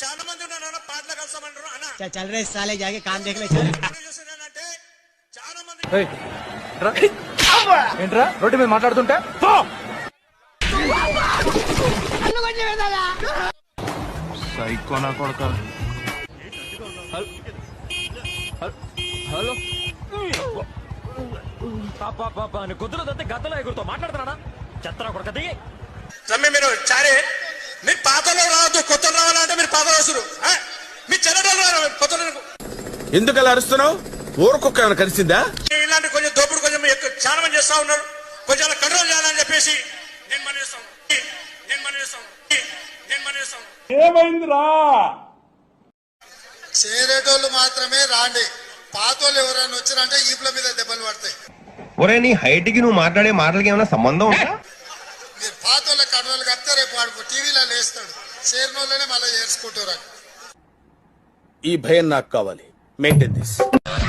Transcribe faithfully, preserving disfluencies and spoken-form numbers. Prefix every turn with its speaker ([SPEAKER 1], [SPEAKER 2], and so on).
[SPEAKER 1] చాలా మంది ఉన్నారు పాటలు కలుస్తామంటారు అన్న.
[SPEAKER 2] చల్ రే సాలే జాగే కామ్ దేఖ్ లే చల్.
[SPEAKER 1] అంటే చాలా మంది
[SPEAKER 3] ఏంట్రా రోడ్డు మీద మాట్లాడుతుంటే సైకోనా కొడక.
[SPEAKER 4] హలో గొద్దులదంతే గద్దలో ఎగురుతో మాట్లాడుతున్నా చెత్తరా కొడక దిగి
[SPEAKER 1] రమ్మి మీరు చారే మీరు పాతలో రావద్దు కొత్త రావాలంటే మీరు పాతలో వస్తారు మీ చెల్లెటోళ్ళు రారు కొత్త.
[SPEAKER 5] ఎందుకు అలా అరుస్తున్నావు? ఊరకొక్క ఏమైనా కలిసిందా?
[SPEAKER 1] ఇలాంటి కొంచెం దోపుడు కొంచెం ఎక్కువ చాలా మంది చేస్తా ఉన్నారు. కొంచెం అలా కంట్రోల్ చేయాలని చెప్పేసి నేను మనం చేస్తాను నేను మనం చేస్తాను నేను మనం చేస్తాను.
[SPEAKER 3] ఏమైందిరా?
[SPEAKER 6] చేరేటోళ్ళు మాత్రమే రాండి, పాతోళ్ళు ఎవరైనా వచ్చారంటే ఈపుల మీద దెబ్బలు పడతాయి.
[SPEAKER 7] ఒరే నీ హైట్ కి నువ్వు మాట్లాడే మాటలకి ఏమైనా సంబంధం ఉందా?
[SPEAKER 6] మీరు పాతోళ్ళ కడవలు కడితే రేపు వాడు టీవీలో లేస్తాడు, చేరినోళ్ళనే మళ్ళీ చేర్చుకుంటారు.
[SPEAKER 5] ఈ భయం నాకు కావాలి. Maintain this.